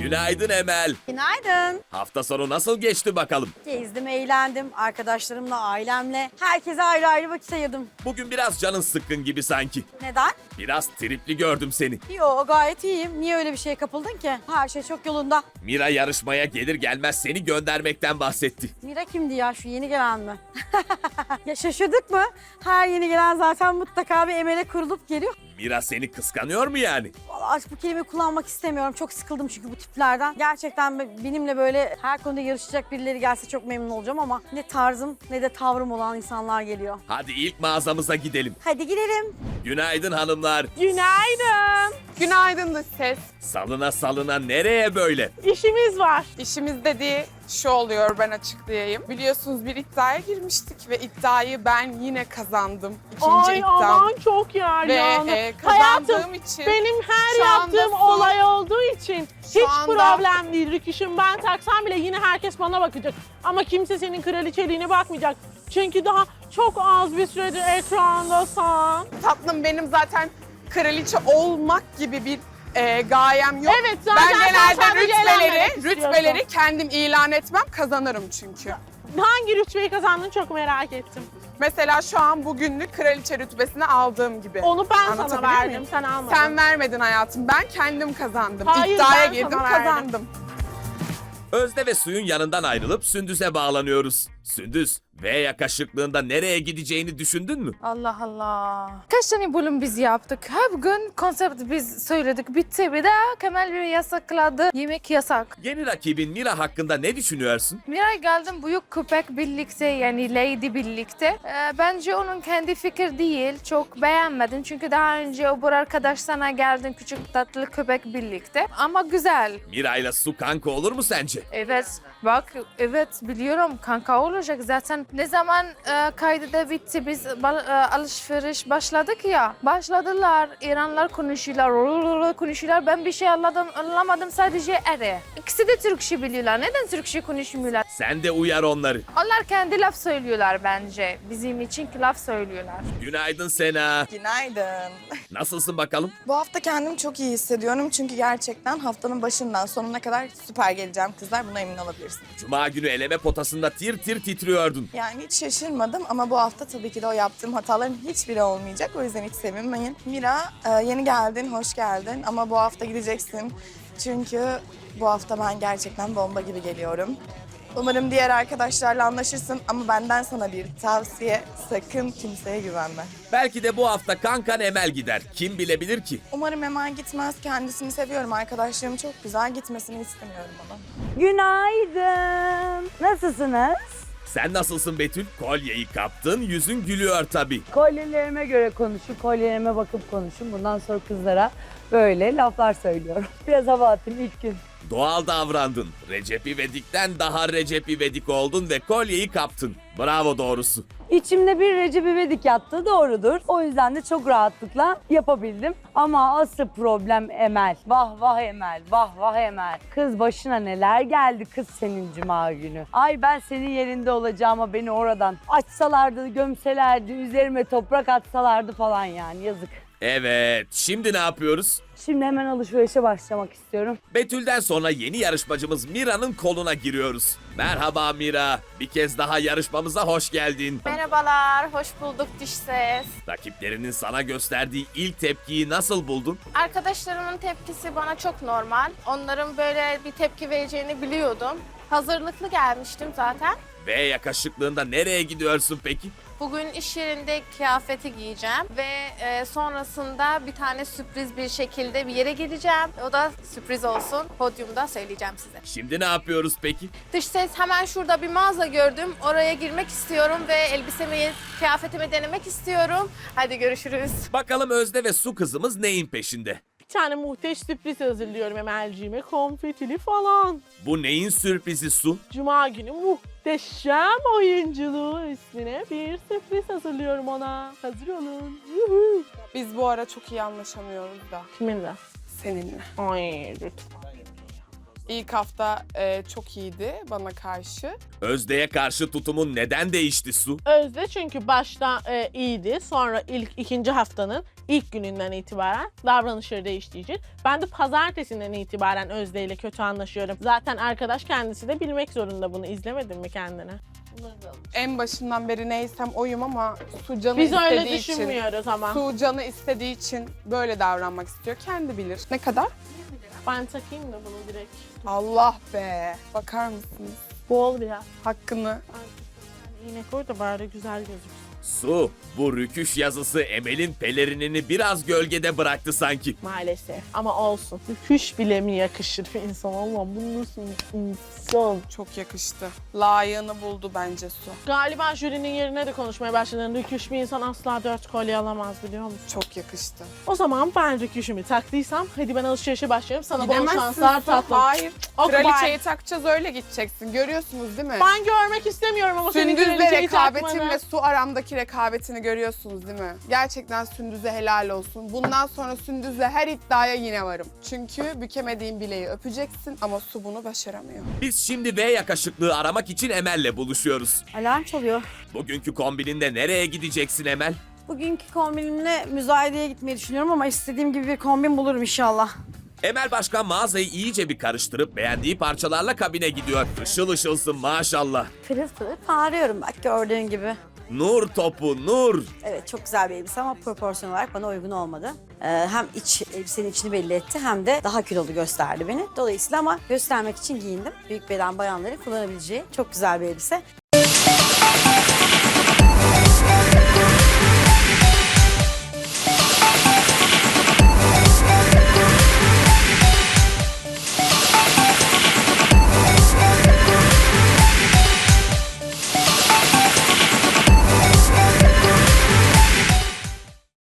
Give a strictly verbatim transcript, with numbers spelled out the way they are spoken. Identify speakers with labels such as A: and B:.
A: Günaydın Emel.
B: Günaydın.
A: Hafta sonu nasıl geçti bakalım?
B: Gezdim, eğlendim. Arkadaşlarımla, ailemle. Herkese ayrı ayrı vakit ayırdım.
A: Bugün biraz canın sıkkın gibi sanki.
B: Neden?
A: Biraz tripli gördüm seni.
B: Yo, gayet iyiyim. Niye öyle bir şeye kapıldın ki? Her şey çok yolunda.
A: Mira yarışmaya gelir gelmez seni göndermekten bahsetti.
B: Mira kimdi ya? Şu yeni gelen mi? Ya şaşırdık mı? Her yeni gelen zaten mutlaka bir Emel'e kurulup geliyor.
A: Mira seni kıskanıyor mu yani?
B: Vallahi artık bu kelimeyi kullanmak istemiyorum. Çok sıkıldım çünkü bu tiplerden. Gerçekten benimle böyle her konuda yarışacak birileri gelse çok memnun olacağım ama ne tarzım ne de tavrım olan insanlar geliyor.
A: Hadi ilk mağazamıza gidelim.
B: Hadi gidelim.
A: Günaydın hanımlar.
C: Günaydın. Günaydın da ses.
A: Salına salına nereye böyle?
C: İşimiz var. İşimiz dediği şu oluyor, ben açıklayayım. Biliyorsunuz bir iddiaya girmiştik ve iddiayı ben yine kazandım. İkinci
D: Ay
C: iddiam.
D: aman çok yer
C: Ve
D: yani.
C: e, kazandığım
D: Hayatım,
C: için
D: benim her
C: şu anda
D: yaptığım
C: su-
D: olay olduğu için hiç
C: anda-
D: problem değil. Rüküşüm ben taksam bile yine herkes bana bakacak. Ama kimse senin kraliçeliğine bakmayacak. Çünkü daha çok az bir süredir ekrandasın.
C: tatlım benim zaten kraliçe olmak gibi bir e, gayem yok.
D: Evet, zaten
C: ben
D: sen
C: genelde
D: sadece eğlenmek
C: rütbeleri,
D: istiyorsun.
C: rütbeleri kendim ilan etmem, kazanırım çünkü.
D: Hangi rütbeyi kazandın çok merak ettim.
C: Mesela şu an bugünlük kraliçe rütbesini aldığım gibi.
D: Onu ben sana
C: Anlatabilir
D: verdim,
C: miyim?
D: sen almadın.
C: Sen vermedin hayatım. Ben kendim kazandım.
D: Hayır,
C: İddiaya
D: ben
C: girdim,
D: sana verdim.
C: kazandım.
A: Özde ve Suyun yanından ayrılıp Sündüz'e bağlanıyoruz. Sündüz, V yakışıklığında nereye gideceğini düşündün mü?
E: Allah Allah. Kaç tane bölüm biz yaptık? Her gün konsept biz söyledik. Bitti. Bir de Kemal bir yasakladı. Yemek yasak.
A: Yeni rakibin Mira hakkında ne düşünüyorsun?
E: Miray geldim büyük köpek birlikte yani Lady birlikte. Ee, bence onun kendi fikir değil. Çok beğenmedim. Çünkü daha önce o bu arkadaş sana geldin küçük tatlı köpek birlikte. Ama güzel.
A: Mira ile Su kanka olur mu sence?
E: Evet. Bak evet biliyorum kanka olacak zaten. Ne zaman e, kaydı da bitti biz ba- e, alışveriş başladık ya. Başladılar. İranlar konuşuyorlar. Konuşuyorlar. Ben bir şey anladım, anlamadım sadece ere. İkisi de Türkçe biliyorlar. Neden Türkçe konuşmuyorlar?
A: Sen de uyar onları.
E: Onlar kendi laf söylüyorlar bence. Bizim için laf söylüyorlar.
A: Günaydın Sena.
F: Günaydın.
A: Nasılsın bakalım?
F: Bu hafta kendimi çok iyi hissediyorum çünkü gerçekten haftanın başından sonuna kadar süper geleceğim kızlar. Buna emin olabilirsiniz.
A: Cuma günü eleme potasında tir tir titriyordun.
F: Yani hiç şaşırmadım ama bu hafta tabii ki de o yaptığım hataların hiçbiri olmayacak. O yüzden hiç sevinmeyin. Mira, e, yeni geldin, hoş geldin ama bu hafta gideceksin. Çünkü bu hafta ben gerçekten bomba gibi geliyorum. Umarım diğer arkadaşlarla anlaşırsın ama benden sana bir tavsiye, sakın kimseye güvenme.
A: Belki de bu hafta kankan Emel gider. Kim bilebilir ki?
F: Umarım hemen gitmez. Kendisini seviyorum. Arkadaşlarım çok güzel. Gitmesini istemiyorum ona.
B: Günaydın. Nasılsınız?
A: Sen nasılsın Betül? Kolyeyi kaptın, yüzün gülüyor tabii.
G: Kolyelerime göre konuşun, kolyelerime bakıp konuşun. Bundan sonra kızlara böyle laflar söylüyorum. Biraz hava atın ilk gün.
A: Doğal davrandın. Recep İvedik'ten daha Recep İvedik oldun ve kolyeyi kaptın. Bravo doğrusu.
G: İçimde bir Recep İvedik yattığı doğrudur. O yüzden de çok rahatlıkla yapabildim. Ama asıl problem Emel. Vah vah Emel, vah vah Emel. Kız başına neler geldi kız senin cuma günü. Ay ben senin yerinde olacağıma beni oradan açsalardı, gömselerdi, üzerime toprak atsalardı falan yani yazık.
A: Evet, şimdi ne yapıyoruz?
G: Şimdi hemen alışverişe başlamak istiyorum.
A: Betül'den sonra yeni yarışmacımız Mira'nın koluna giriyoruz. Merhaba Mira, bir kez daha yarışmamıza hoş geldin.
H: Merhabalar, hoş bulduk Diş Ses.
A: Rakiplerinin sana gösterdiği ilk tepkiyi nasıl buldun?
H: Arkadaşlarımın tepkisi bana çok normal. Onların böyle bir tepki vereceğini biliyordum. Hazırlıklı gelmiştim zaten.
A: Ve yakışıklığında nereye gidiyorsun peki?
H: Bugün iş yerinde kıyafeti giyeceğim ve e, sonrasında bir tane sürpriz bir şekilde bir yere gideceğim. O da sürpriz olsun. Podyumda söyleyeceğim size.
A: Şimdi ne yapıyoruz peki?
H: Dış ses, hemen şurada bir mağaza gördüm. Oraya girmek istiyorum ve elbisemi, kıyafetimi denemek istiyorum. Hadi görüşürüz.
A: Bakalım Özde ve Su kızımız neyin peşinde?
D: Bir tane muhteş sürpriz hazırlıyorum Emel'ciğime. Konfetili falan.
A: Bu neyin sürprizi Su?
D: Cuma günü muhteşem oyunculuğu üstüne bir sürpriz hazırlıyorum ona. Hazır olun. Yuhu.
C: Biz bu ara çok iyi anlaşamıyoruz da
D: Kiminle?
C: seninle.
D: Ay lütfen.
C: İlk hafta e, çok iyiydi bana karşı.
A: Özde'ye karşı tutumun neden değişti Su?
D: Özde çünkü başta e, iyiydi. Sonra ilk ikinci haftanın İlk gününden itibaren davranışları değiştiği için. Ben de pazartesinden itibaren Özde ile kötü anlaşıyorum. Zaten arkadaş kendisi de bilmek zorunda bunu. İzlemedin mi kendine?
C: En başından beri neysem oyum ama Su canı
D: Biz
C: istediği
D: öyle
C: için.
D: düşünmüyoruz ama.
C: Su canı istediği için böyle davranmak istiyor. Kendi bilir. Ne kadar?
D: Ben takayım da bunu direkt.
C: Allah be. Bakar mısınız?
D: Bol biraz.
C: Hakkını.
D: Yine koy da bari güzel gözüksün.
A: Su, bu rüküş yazısı Emel'in pelerinini biraz gölgede bıraktı sanki.
D: Maalesef. Ama olsun. Rüküş bile mi yakışır bir insan? Allah bu nasıl bir insan?
C: Çok yakıştı. Layığını buldu bence Su.
D: Galiba jürinin yerine de konuşmaya başladın. Rüküş bir insan asla dört kolye alamaz biliyor musun?
C: Çok yakıştı.
D: O zaman ben rüküşümü taktıysam hadi ben alışverişe başlıyorum. Sana bol
C: Gidemezsin
D: şanslar
C: Su.
D: tatlım.
C: Hayır.
D: Ok,
C: Kraliçeyi
D: bye.
C: takacağız öyle gideceksin. Görüyorsunuz değil mi?
D: Ben görmek istemiyorum ama senin
C: Sündüz'le
D: kraliçeyi
C: rekabetin
D: takmanı.
C: ve Su aramdaki rekabetini görüyorsunuz değil mi? Gerçekten Sündüz'e helal olsun. Bundan sonra Sündüz'le her iddiaya yine varım. Çünkü bükemediğin bileği öpeceksin ama Su bunu başaramıyor.
A: Biz şimdi V yakışıklığı aramak için Emel'le buluşuyoruz.
B: Alarm çalıyor.
A: Bugünkü kombininde nereye gideceksin Emel?
B: Bugünkü kombinimle müzayedeye gitmeyi düşünüyorum ama istediğim gibi bir kombin bulurum inşallah.
A: Emel Başkan mağazayı iyice bir karıştırıp beğendiği parçalarla kabine gidiyor. Işıl ışılsın maşallah.
B: Pırıl pırıl parlıyorum bak gördüğün gibi.
A: Nur topu nur.
B: Evet çok güzel bir elbise ama proporsiyon olarak bana uygun olmadı. Ee, hem iç elbisenin içini belli etti hem de daha kilolu gösterdi beni. Dolayısıyla ama göstermek için giyindim. Büyük beden bayanların kullanabileceği çok güzel bir elbise.